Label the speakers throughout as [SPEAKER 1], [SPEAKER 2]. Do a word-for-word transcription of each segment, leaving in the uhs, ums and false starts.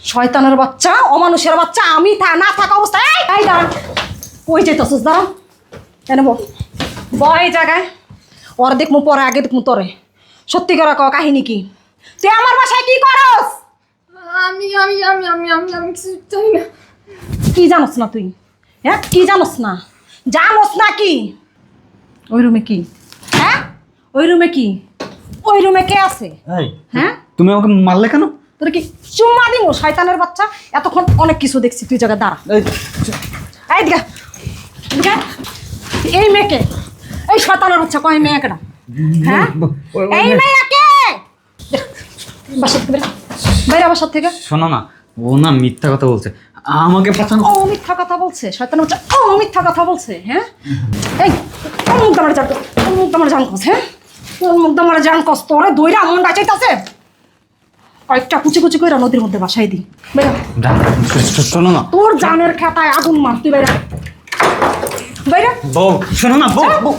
[SPEAKER 1] শয়তানের বাচ্চা, অমানুষের বাচ্চা, আমি থা না থাকা অবস্থায় এই এই দাঁড়া, কই যেতেছিস? দাঁড়া, এনে বল, বল এই জায়গায়। ওর দেখমু পরে, আগে দেখমু তোরে। সত্যি করে ক, কাহিনী কি? তুই আমার বাসায় কি করস?
[SPEAKER 2] আমি আমি আমি আমি আমি আমি কিছু জানি না।
[SPEAKER 1] কি জানোস না তুই? হ্যাঁ, কি জানোস না? জানোস না কি? ওই রুমে কি? হ্যাঁ, ওই রুমে কি? ওই রুমে কে আছে?
[SPEAKER 3] এই
[SPEAKER 1] হ্যাঁ,
[SPEAKER 3] তুমি আমাকে মারলে কেন?
[SPEAKER 1] তোর কি চুম্মা দিব? শয়তানের বাচ্চা, এতক্ষণ অনেক কিছু দেখছি, তুই জায়গায় দাঁড়া।
[SPEAKER 3] এই
[SPEAKER 1] এই দিকে, দিকে। এই মেয়েকে, এই শয়তানের বাচ্চা, কয় মেয়েকে না? হ্যাঁ, এই মেয়েকে বাসা থেকে বেরা, বাইরে বাসার থেকে।
[SPEAKER 3] শোনো না, ও না মিথ্যা কথা বলছে, আমাকে পাঠানো।
[SPEAKER 1] ও মিথ্যা কথা বলছে, শয়তানের বাচ্চা, ও মিথ্যা কথা বলছে। হ্যাঁ, এই কোন মুখ দামারে জান, কোন মুখ দামারে জান কস? হ্যাঁ, কোন মুখ দামারে জান কস? তোরে দইরা মনটা চাইতাছে, কয়েকটা কুচি কুচি কইরা নদীর মধ্যে বাসাই দি। বেরা,
[SPEAKER 3] শোনো না,
[SPEAKER 1] তোর জানের খেতায় আগুন মার, তুই বাইরা, বাইরা।
[SPEAKER 3] বউ শোনো না, বউ বউ।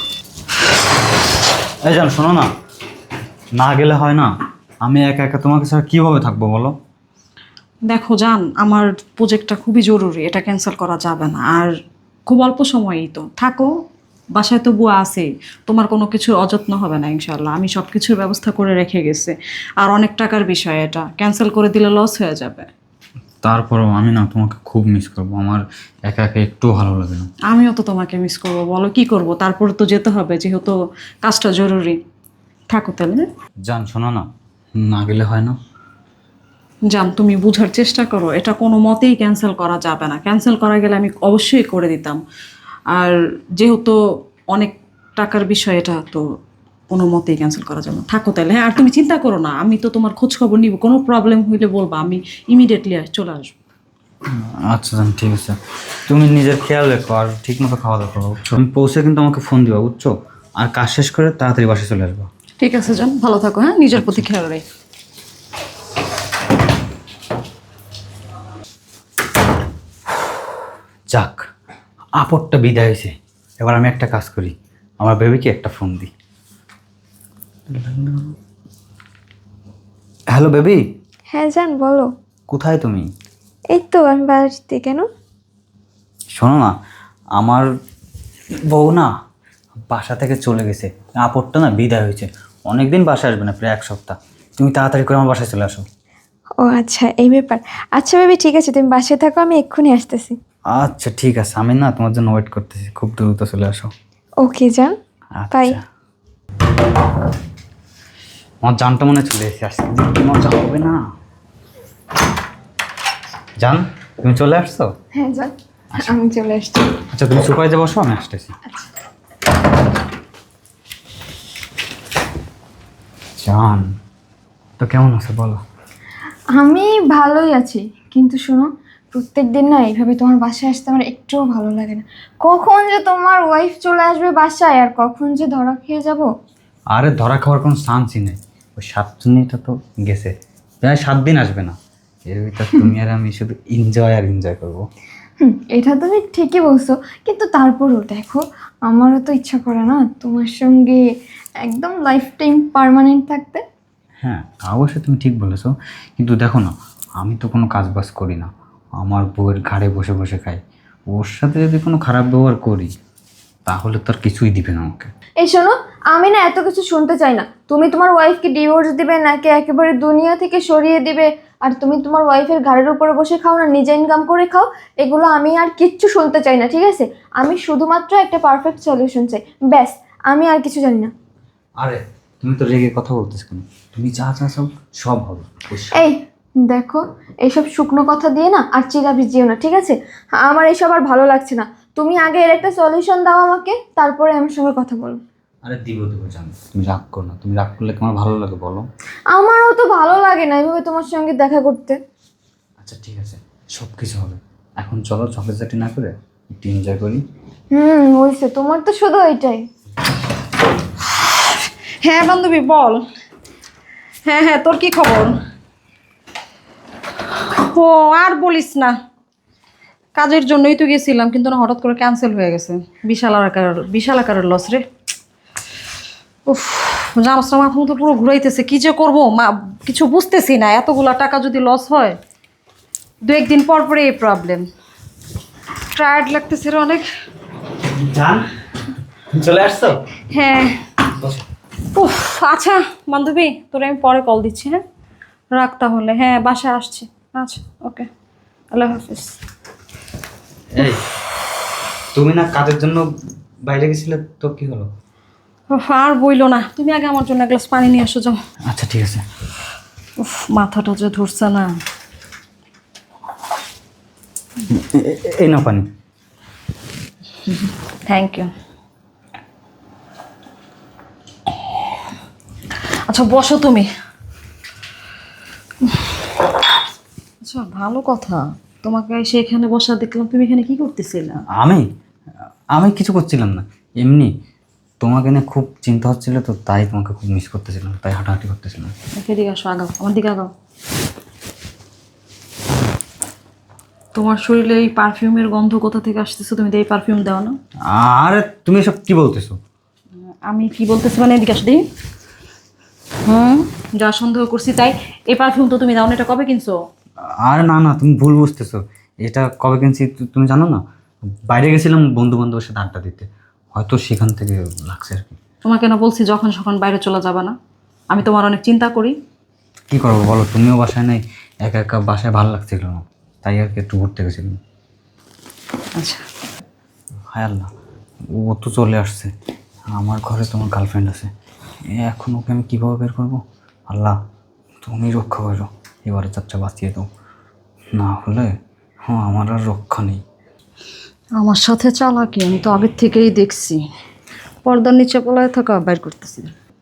[SPEAKER 3] এই জান শোনো না, না গেলে হয় না। আমি একা একা তোমাকে ছাড়া কিভাবে থাকবো বলো?
[SPEAKER 1] দেখো জান, আমার প্রজেক্টটা খুবই জরুরি, এটা ক্যান্সেল করা যাবে না। আর খুব অল্প সময়ই তো থাকো, বাসায় তো বুয়া আছে, তোমার কোনো কিছুর অযত্ন হবে না ইনশাল্লাহ। আমি সব কিছুর ব্যবস্থা করে রেখে গেছি। আর অনেক টাকার বিষয়, এটা ক্যান্সেল করে দিলে লস হয়ে যাবে।
[SPEAKER 3] তারপরেও আমি না তোমাকে খুব মিস করবো, আমার একা একা একটু ভালো লাগে না।
[SPEAKER 1] আমিও তো তোমাকে মিস করবো, বলো কি করব, তারপরে তো যেতে হবে, যেহেতু কাজটা জরুরি। থাকো তাহলে।
[SPEAKER 3] জান শোনো না, না গেলে হয় না।
[SPEAKER 1] জান, তুমি বুঝার চেষ্টা করো, এটা কোনো মতেই ক্যান্সেল করা যাবে না। ক্যান্সেল করা গেলে আমি অবশ্যই করে দিতাম। আর যেহেতু অনেক টাকার বিষয়, এটা তো কোনো মতেই ক্যান্সেল করা যাবে না। থাকো তাহলে। হ্যাঁ, আর তুমি চিন্তা করো না, আমি তো তোমার খোঁজ খবর নিব, কোনো প্রবলেম হইলে বলবা, আমি ইমিডিয়েটলি চলে আসবো।
[SPEAKER 3] আচ্ছা জান, ঠিক আছে। তুমি নিজের খেয়াল রেখো আর ঠিক মতো খাওয়া দাওয়া করো, বুঝছো? তুমি পৌঁছে কিন্তু আমাকে ফোন দিবা, বুঝছো? আর কাজ শেষ করে তাড়াতাড়ি বাসায় চলে আসবো।
[SPEAKER 1] ঠিক আছে জান, ভালো থাকো। হ্যাঁ, নিজের প্রতি খেয়াল রাখ।
[SPEAKER 3] যাক, আপদটা বিদায় হয়েছে। এবার আমি একটা কাজ করি, আমার বেবিকে একটা ফোন দিই। Hello baby.
[SPEAKER 2] হ্যাঁ জান, বলো।
[SPEAKER 3] কোথায় তুমি?
[SPEAKER 2] এই তো আমি বাড়িতে। কেন?
[SPEAKER 3] শোনো না, আমার বউ না বাসা থেকে চলে গেছে, আপদটা না বিদায় হয়েছে। অনেকদিন বাসায় আসবে না, প্রায় এক সপ্তাহ। তুমি তাড়াতাড়ি করে আমার বাসায় চলে আসো।
[SPEAKER 2] ও আচ্ছা, এই ব্যাপার। আচ্ছা বেবি, ঠিক আছে, তুমি বাসায় থাকো, আমি এক্ষুনি আসতেছি।
[SPEAKER 3] আচ্ছা ঠিক আছে, আমি না তোমার জন্য ওয়েট করতেছি, খুব দ্রুত চলে আসো।
[SPEAKER 2] ওকে জান, বাই।
[SPEAKER 3] আচ্ছা, আমার জানটা মনে চলে এসেছে, আজকে যে কি মজা হবে না। জান, তুমি চলে আসছো?
[SPEAKER 2] হ্যাঁ জান, আমি চলে আসছি।
[SPEAKER 3] আচ্ছা তুমি সুপারিতে বসো, আমি আসতেছি। জান, তো কেমন আছে বলো?
[SPEAKER 2] আমি ভালোই আছি, কিন্তু শোনো, প্রত্যেক দিন না এইভাবে তোমার বাসায় আসতে আমার একটুও ভালো লাগে না। কখন যে তোমার ওয়াইফ চলে আসবে বাসায়, আর কখন যে ধরা খেয়ে যাব।
[SPEAKER 3] আরে ধরা খাওয়ার কোনো চান্সই নেই, ওই সাতজনীটা তো গেছে, প্রায় সাত দিন আসবে না। এর ভিতর তুমি আর আমি শুধু এনজয় আর এনজয় করবো।
[SPEAKER 2] হুম, এটা তুমি ঠিকই বলছো, কিন্তু তারপরেও দেখো, আমারও তো ইচ্ছা করে না তোমার সঙ্গে একদম লাইফ টাইম পার্মানেন্ট থাকতে।
[SPEAKER 3] হ্যাঁ অবশ্যই তুমি ঠিক বলেছো, কিন্তু দেখো না, আমি তো কোনো কাজ বাজ করি না, আমার বউয়ের ঘাড়ে বসে বসে খাই। ওর সাথে যদি কোনো খারাপ ব্যবহার করি তাহলে তো আর কিছুই দিবে না আমাকে।
[SPEAKER 2] এই শোনো, আমি না এত কিছু শুনতে চাই না। তুমি তোমার ওয়াইফকে ডিভোর্স দিবে নাকি একেবারে দুনিয়া থেকে সরিয়ে দিবে, আর তুমি তোমার ওয়াইফের ঘাড়ের উপরে বসে খাও না নিজে ইনকাম করে খাও, এগুলো আমি আর কিচ্ছু শুনতে চাই না, ঠিক আছে? আমি শুধুমাত্র একটা পারফেক্ট সলিউশন চাই, ব্যাস। আমি আর কিছু জানি না।
[SPEAKER 3] আরে তুমি তো রেগে কথা বলতেছ কেন? তুমি যা যা সব সব হবে।
[SPEAKER 2] এই দেখো, এইসব শুকনো কথা দিয়ে না আর চিরা ভিজিও না, ঠিক আছে? আমার এইসব আর ভালো লাগছে না। তুমি আগে এর একটা সলিউশন দাও আমাকে, তারপরে আমার সঙ্গে কথা বলো।
[SPEAKER 3] আরে দিব দেবো জানো, তুমি রাগ করো না। তুমি রাগ করলে তোমার ভালো লাগে বলো?
[SPEAKER 2] আমারও তো ভালো লাগে না এভাবে তোমার সঙ্গে দেখা করতে।
[SPEAKER 3] আচ্ছা ঠিক আছে, সব কিছু হবে। এখন চলো চকলেট চাটি না করে একটু এনজয় করি।
[SPEAKER 2] হুম, হয়েছে, তোমার তো শুধু ওইটাই।
[SPEAKER 1] হ্যাঁ বান্ধবী, বল। হ্যাঁ হ্যাঁ, তোর কি খবর? ও আর বলিস না, কাজের জন্যই তো গেছিলাম, কিন্তু না হঠাৎ করে ক্যান্সেল হয়ে গেছে। বিশাল আকার বিশাল আকারের লস রে। উফ, জানোস না, মাথা মতো পুরো ঘুরাইতেছে, কি যে করবো মা, কিছু বুঝতেছি না। এতগুলা টাকা যদি লস হয় দু একদিন পর পরে এই প্রবলেম। টায়ার্ড লাগতেছে রে অনেক।
[SPEAKER 3] জান চলে আসছো?
[SPEAKER 1] হ্যাঁ। উফ, আচ্ছা বান্ধবী, তোরে আমি পরে কল দিচ্ছি। হ্যাঁ রাখ তাহলে। হ্যাঁ বাসায় আসছি। আচ্ছা ওকে, আল্লাহ হাফিজ।
[SPEAKER 3] এই তুমি না কাজের জন্য বাইরে গেছিলে, তো কি হলো?
[SPEAKER 1] উফ, আর বইলো না, তুমি আগে আমার জন্য এক গ্লাস পানি নিয়ে আসো যাও।
[SPEAKER 3] আচ্ছা ঠিক আছে।
[SPEAKER 1] উফ, মাথাটা যে ধরছে না।
[SPEAKER 3] এ- এ- এই না পানি।
[SPEAKER 1] Thank you. আচ্ছা বসো তুমি। আচ্ছা ভালো কথা, তোমাকে সেখানে বসা দেখলাম, তুমি এখানে কি করতেছিলে?
[SPEAKER 3] আমি আমি কিছু করছিলাম না, এমনি তোমাকে নিয়ে খুব চিন্তা হচ্ছিল, তো তাই তোমাকে খুব মিস করতেছিলাম, তাই হাঁটাহাঁটি করতেছিলাম।
[SPEAKER 1] এদিকে আসো, আগাও আমার দিকে আগাও। তোমার শরীরে এই পারফিউমের গন্ধ কোথা থেকে আসতেছে? তুমি তো এই পারফিউম দাও না।
[SPEAKER 3] আরে তুমি এসব কি বলতেছো?
[SPEAKER 1] আমি কি বলতেছি মানে, এদিকে আসো দিই। হুম, যা সন্দেহ করছি তাই। এই পারফিউম তো তুমি দাও না, এটা কবে কিনছো?
[SPEAKER 3] আরে না না, তুমি ভুল বুঝতেছো। এটা কবে কিনছি তু- তুমি জানো না? বাইরে গেছিলাম বন্ধু বান্ধবের সাথে আড্ডা দিতে, হয়তো সেখান থেকে লাগছে আর কি।
[SPEAKER 1] তোমাকে না বলছি যখন সখন বাইরে চলে যাবে না, আমি তোমার অনেক চিন্তা করি।
[SPEAKER 3] কী করবো বলো, তুমিও বাসায় নেই, একা একা বাসায় ভালো লাগছিল না, তাই আর কি একটু ঘুরতে গেছিলাম।
[SPEAKER 1] আচ্ছা
[SPEAKER 3] হায় আল্লাহ, ও তো চলে আসছে। আমার ঘরে তোমার গার্লফ্রেন্ড আছে, এখন ওকে আমি কীভাবে বের করবো? আল্লাহ তুমি রক্ষা করো, এবারে চাচ্চা বাঁচিয়ে দাও, না হলে হ্যাঁ আমার আর রক্ষা নেই।
[SPEAKER 1] আমার সাথে চালাকি আমি তো আগের থেকেই দেখছি। পর্দার নিচে পলায় থাকা বাইর করতেছি।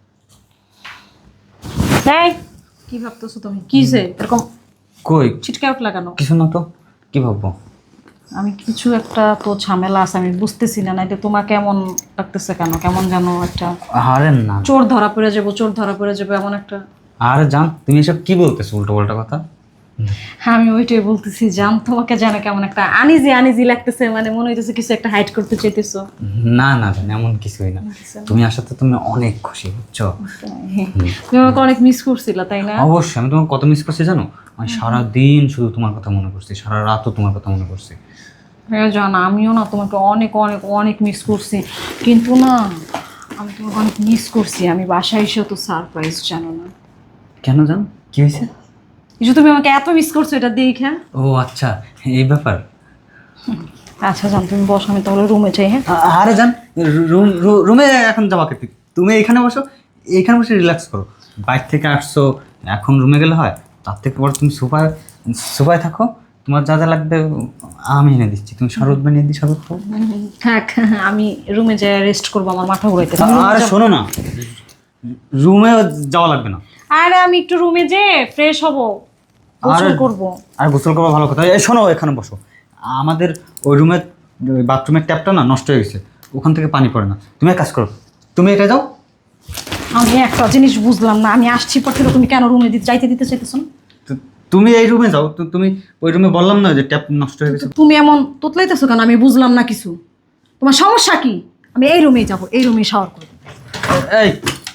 [SPEAKER 1] এই কি ভাবতেছো তুমি? কি যে এরকম
[SPEAKER 3] কই
[SPEAKER 1] ছিটকে উঠলা কেন?
[SPEAKER 3] কিছু না তো, কী ভাববো?
[SPEAKER 1] আমি কিছু একটা তো ঝামেলা আছে, আমি বুঝতেছি না। নাইলে তোমার কেমন লাগতেছে কেন? কেমন যেন একটা
[SPEAKER 3] আরে না,
[SPEAKER 1] চোর ধরা পড়ে যাবো, চোর ধরা পড়ে যাবে এমন একটা।
[SPEAKER 3] আরে জান তুমি এসব কি বলতেছো উল্টো পাল্টা কথা?
[SPEAKER 1] আমি ওইটাই বলতেছি, জান তোমাকে যেন কেমন একটা আনিজি আনিজি লাগতেছে, মানে মনে হইতেছে কিছু একটা হাইড করতে চাইতেছো।
[SPEAKER 3] না না জান, এমন কিছুই না, তুমি আসাতে তুমি অনেক খুশি, বুঝছো?
[SPEAKER 1] তুমি আমাকে অনেক মিস করছিলা তাই না?
[SPEAKER 3] অবশ্যই, আমি তোমাকে কত মিস করছি জানো? আমি সারাদিন শুধু তোমার কথা মনে করছি, সারা রাতও তোমার কথা মনে করছি।
[SPEAKER 1] হ্যাঁ জান, আমিও না তোমাকে অনেক অনেক অনেক মিস করছি, কিন্তু না আমি তোমাকে অনেক মিস করছি। আমি বাসায় এসেও তো সারপ্রাইজ, জানো না?
[SPEAKER 3] কেন জান, কি হয়েছে?
[SPEAKER 1] এই যে তুমি আমাকে এত মিস করছো এটা দেখে।
[SPEAKER 3] ও আচ্ছা, এই ব্যাপার।
[SPEAKER 1] আচ্ছা জান তুমি বসো, আমি তাহলে রুমে যাই। হ্যাঁ
[SPEAKER 3] আ- আরে জান, রুম রুমে এখন যাবা কে? তুমি এখানে বসো, এখানে বসে রিল্যাক্স করো। বাইরে থেকে আসছো, এখন রুমে গেলে হয়? তার থেকে বড় তুমি সোফায় সোফায় থাকো, তোমার যা যা লাগবে আমি এনে দিচ্ছি। তুমি শরবত বানিয়ে দিই, শরবত খাও।
[SPEAKER 1] থাক, আমি রুমে যাই রেস্ট করবো, আমার মাথা ঘুরাইতে।
[SPEAKER 3] আরে শোনো না, রুমে যাওয়া লাগবে না।
[SPEAKER 1] আরে আমি একটু রুমে যে ফ্রেশ হব, গোসল
[SPEAKER 3] আরে-
[SPEAKER 1] করব।
[SPEAKER 3] আর গোসল করা ভালো কথা। এই শোনো, এখানে বসো। আমাদের ওই রুমের বাথরুমের ট্যাপটা না নষ্ট হয়ে গেছে, ওখান থেকে পানি পড়ে না। তুমি এক কাজ করো, তুমি এটা যাও।
[SPEAKER 1] আমি একটা জিনিস বুঝলাম না, আমি আসছি পর থেকে তুমি কেন রুমে দিতে যাইতে দিতে চাইতেছো না?
[SPEAKER 3] তো তুমি এই রুমে যাও, তো তুমি ওই রুমে বললাম না যে ট্যাপ নষ্ট হয়ে গেছে।
[SPEAKER 1] তুমি এমন তোতলাইতেছো কেন? আমি বুঝলাম না কিছু। তোমার সমস্যা কি? আমি এই রুমেই যাব, এই রুমেই শাওয়ার করব।
[SPEAKER 3] এই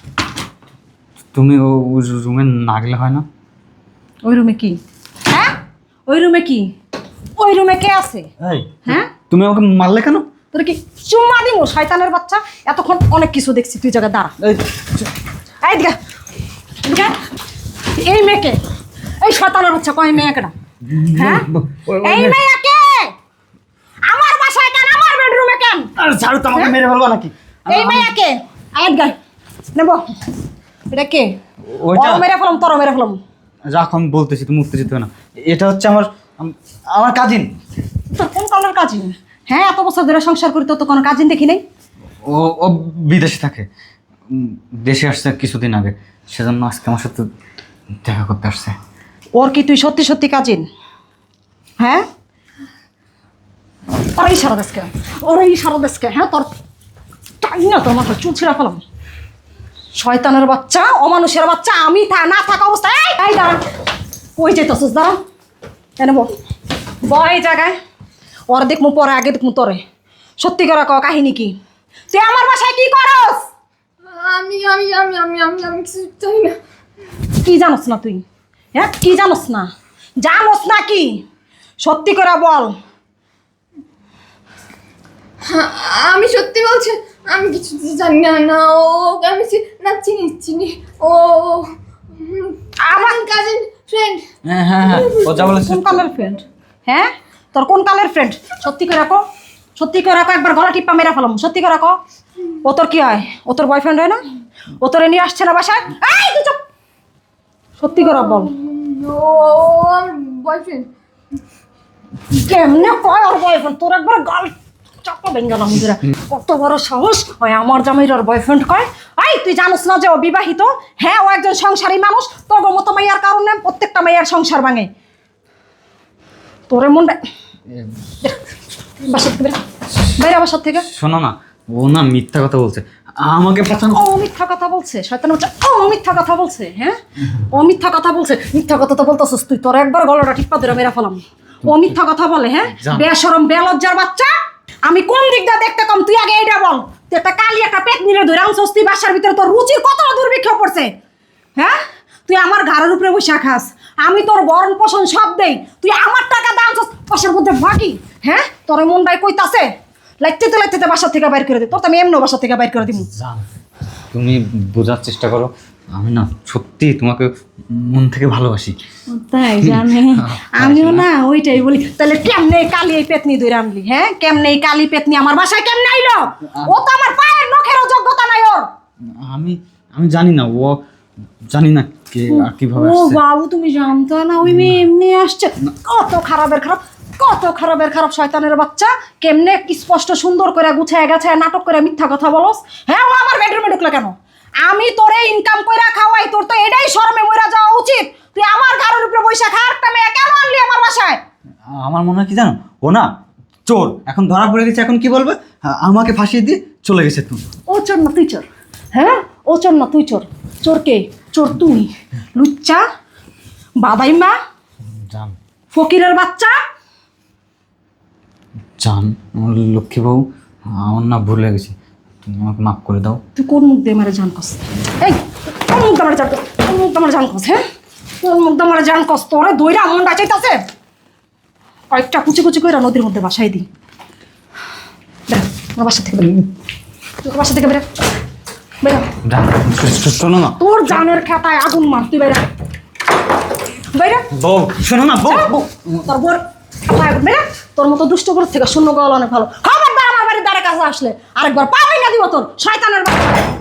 [SPEAKER 3] তুমি ও রুমে না গেলে হয় না?
[SPEAKER 1] ওই রুমে কি? হ্যাঁ ওই রুমে কি? ওই রুমে কে আছে?
[SPEAKER 3] এই
[SPEAKER 1] হ্যাঁ
[SPEAKER 3] তুমি আমাকে মারলে কেন?
[SPEAKER 1] তোর কি চুম্মা দিমু শয়তানের বাচ্চা? এতক্ষণ অনেক কিছু দেখছি, তুই জায়গা দাঁড়া।
[SPEAKER 3] এই
[SPEAKER 1] এই দিকে এদিকে। এই মেয়েকে, এই শয়তানের বাচ্চা কয় মেয়েকে না? হ্যাঁ এই মেয়েকে আমার বাসায় কেন, আমার বেডরুমে কেন?
[SPEAKER 3] আরে ছাড়ো তো, আমাকে মেরে ফেলবা নাকি?
[SPEAKER 1] এই মেয়েকে আয়াত গায় নেব। এটা কে?
[SPEAKER 3] ওইটা
[SPEAKER 1] ওর মেরে ফেলাম, তোর মেরে ফেলাম।
[SPEAKER 3] রাখো, আমি বলতেছি, তুমি উঠতে যেতে হবে না। এটা হচ্ছে আমার আম- আমার কাজিন।
[SPEAKER 1] তোর কোন কালার কাজিন? হ্যাঁ এত বছর ধরে সংসার করি, তোর তো কোনো কাজিন দেখি নাই।
[SPEAKER 3] ও ও বিদেশে থাকে, উম, দেশে আসছে কিছুদিন আগে, সেজন্য আজকে আমার সাথে দেখা করতে আসছে।
[SPEAKER 1] ওর কি তুই সত্যি সত্যি কাজিন? হ্যাঁ ওরা ইশারা দেশকে, ওরা ইশারা দেশকে। হ্যাঁ তোর তাই না, তোর মাথা চুল ছিঁড়া ফেলাম। শয়তানের বাচ্চা, অমানুষের বাচ্চা, আমি থা না থাকা অবস্থায় এই এই দাঁড়া। কই যেতেছিস? দাঁড়া, এনে বল বল এই জায়গায়। ওর দেখমু পরে, আগে দেখমু তোরে। সত্যি করে ক, কাহিনী কি? তুই আমার বাসায় কি করস?
[SPEAKER 2] আমি আমি আমি আমি আমি আমি কিছু চাই না।
[SPEAKER 1] কি জানোস না তুই? হ্যাঁ কি জানোস না? জানোস না কি? সত্যি করে বল।
[SPEAKER 2] আমি সত্যি বলছি, আমি কিছু জানি না। না ও আমি চি- না চিনি চিনি ও হুম, আমার কাজিন ফ্রেন্ড।
[SPEAKER 3] হ্যাঁ হ্যাঁ হ্যাঁ ও যা বলেছে
[SPEAKER 1] কোন কালের ফ্রেন্ড? হ্যাঁ, তোর কোন কালের ফ্রেন্ড? সত্যি করে রাখো, সত্যি করে রাখো, একবার গলা টিপ্পা মেরা ফেলাম। সত্যি করে রাখো। ও তোর কি হয়? ও তোর বয়ফ্রেন্ড হয় না? ও তোরে নিয়ে আসছে না বাসায়? এই তুই চুপ। সত্যি করে বল।
[SPEAKER 2] ও আমার বয়ফ্রেন্ড।
[SPEAKER 1] কেমনে কয় ওর বয়ফ্রেন্ড? তোর একবার গাল চাপা বেঙ্গালাম মুদিরা। কত বড় সাহস হয় আমার জামাইর ওর বয়ফ্রেন্ড কয়? এই তুই জানোস না যে ও বিবাহিত? হ্যাঁ, ও একজন সংসারী মানুষ। তোর মতো মাইয়ার কারণে প্রত্যেকটা মাইয়ার সংসার ভাঙে। তোরে মনটা বাসার থেকে বেরা, বাইরে বাসার থেকে।
[SPEAKER 3] শোনো না, ও না মিথ্যা কথা বলছে, আমাকে পাঠানো।
[SPEAKER 1] ও মিথ্যা কথা বলছে, শয়তান বাচ্চা। ও মিথ্যা কথা বলছে। হ্যাঁ, ও মিথ্যা কথা বলছে। মিথ্যা কথা তো বলতেছিস তুই। তোর একবার গলাটা টিপ্পা ধরে মেরা ফেলাম। ও মিথ্যা কথা বলে। হ্যাঁ,
[SPEAKER 3] জান।
[SPEAKER 1] বেশরম বেলজ্জার বাচ্চা। আমি কোন দিক দিয়ে দেখতে কম? তুই আগে এইটা বল। তুই একটা কালি একটা পেট নিয়ে ধরে আনছস, তুই বাসার ভিতরে তোর রুচির কতটা দুর্ভিক্ষ পড়ছে? হ্যাঁ, তুই আমার ঘরের উপরে বসে খাস, আমি তোর বরণ পোষণ সব দেই, তুই আমার টাকা দাঁড়ানছস পাশের মধ্যে ভাগি। হ্যাঁ, তোর মনটাই কইতাছে লাইতে তো লাইতে বাসার থেকে বাইর করে দে। তোর তো আমি এমনি বাসার থেকে বাইর করে দিব।
[SPEAKER 3] জান, তুমি বোঝার চেষ্টা করো, আমি না সত্যি তোমাকে মন থেকে ভালোবাসি।
[SPEAKER 1] তাই জানে, আমিও না ওইটাই বলি। তাহলে কেমনে কালি এই পেতনি ধরে আনলি? হ্যাঁ, কেমনে এই কালি পেতনি আমার বাসায় কেমনে আইলো? ও তো আমার পায়ের নখেরও যোগ্যতা নাই ওর।
[SPEAKER 3] আমি আমি জানি না, ও জানি না কে আর কিভাবে
[SPEAKER 1] ও
[SPEAKER 3] আসছে।
[SPEAKER 1] বাবু, তুমি জানতো না ওই মেয়ে এমনি আসছে? কত খারাপের খারাপ, কত খারাপের খারাপ শয়তানের বাচ্চা। কেমনে স্পষ্ট সুন্দর করে গুছায় গাছায় নাটক করে মিথ্যা কথা বলস? হ্যাঁ, ও আমার বেডরুমে ঢুকলো কেন? আমি তোরে ইনকাম কইরা খাওয়াই, তোর তো এটাই শরমে মইরা যাওয়া উচিত। তুই আমার ঘরের উপরে বৈশা খা, একটা মেয়ে কেন আনলি আমার বাসায়?
[SPEAKER 3] আমার মনে হয় কি জানো, ও না চোর, এখন ধরা পড়ে গেছে, এখন কি বলবে? হ্যাঁ, আমাকে ফাঁসিয়ে দিয়ে চলে গেছে। তুমি
[SPEAKER 1] ও চোর না তুই চোর? হ্যাঁ, ও চোর না তুই চোর? চোর কে? চোর তুই, লুচ্চা বাদাইমা
[SPEAKER 3] জান,
[SPEAKER 1] ফকিরের বাচ্চা।
[SPEAKER 3] জান আমার লক্ষ্মী বউ, আমার না ভুলে গেছি, তুমি আমাকে মাফ করে দাও।
[SPEAKER 1] তুই কোন মুখ দিয়ে মারে জান কস? এই কোন মুখ দিয়ে মারে জান কস? কোন মুখ দিয়ে মারে জান কস? হ্যাঁ, কোন মুখ দিয়ে মারে জান কস? তোরে দইরা মনটা চাইতাছে কয়েকটা কুচি কুচি কইরা নদীর মধ্যে বাসাই দি। বেরা আমার বাসা থেকে বেরা, তোর বাসা থেকে বেরা, বেরা।
[SPEAKER 3] জান, শোনো না
[SPEAKER 1] তোর জানের খাতায় আগুন মার, তুই বেরা, বেরা।
[SPEAKER 3] বউ, শোনো না বউ, বউ।
[SPEAKER 1] তোর বোর খাতায় আগুন, বেরা। তোর মতো দুষ্ট করে থেকে শূন্য গলা অনেক ভালো। খবরদার আমার বাড়ির দ্বারে কাছে আসলে আরেকবার পাওয়াই না দিব তোর শয়তানের বাচ্চা।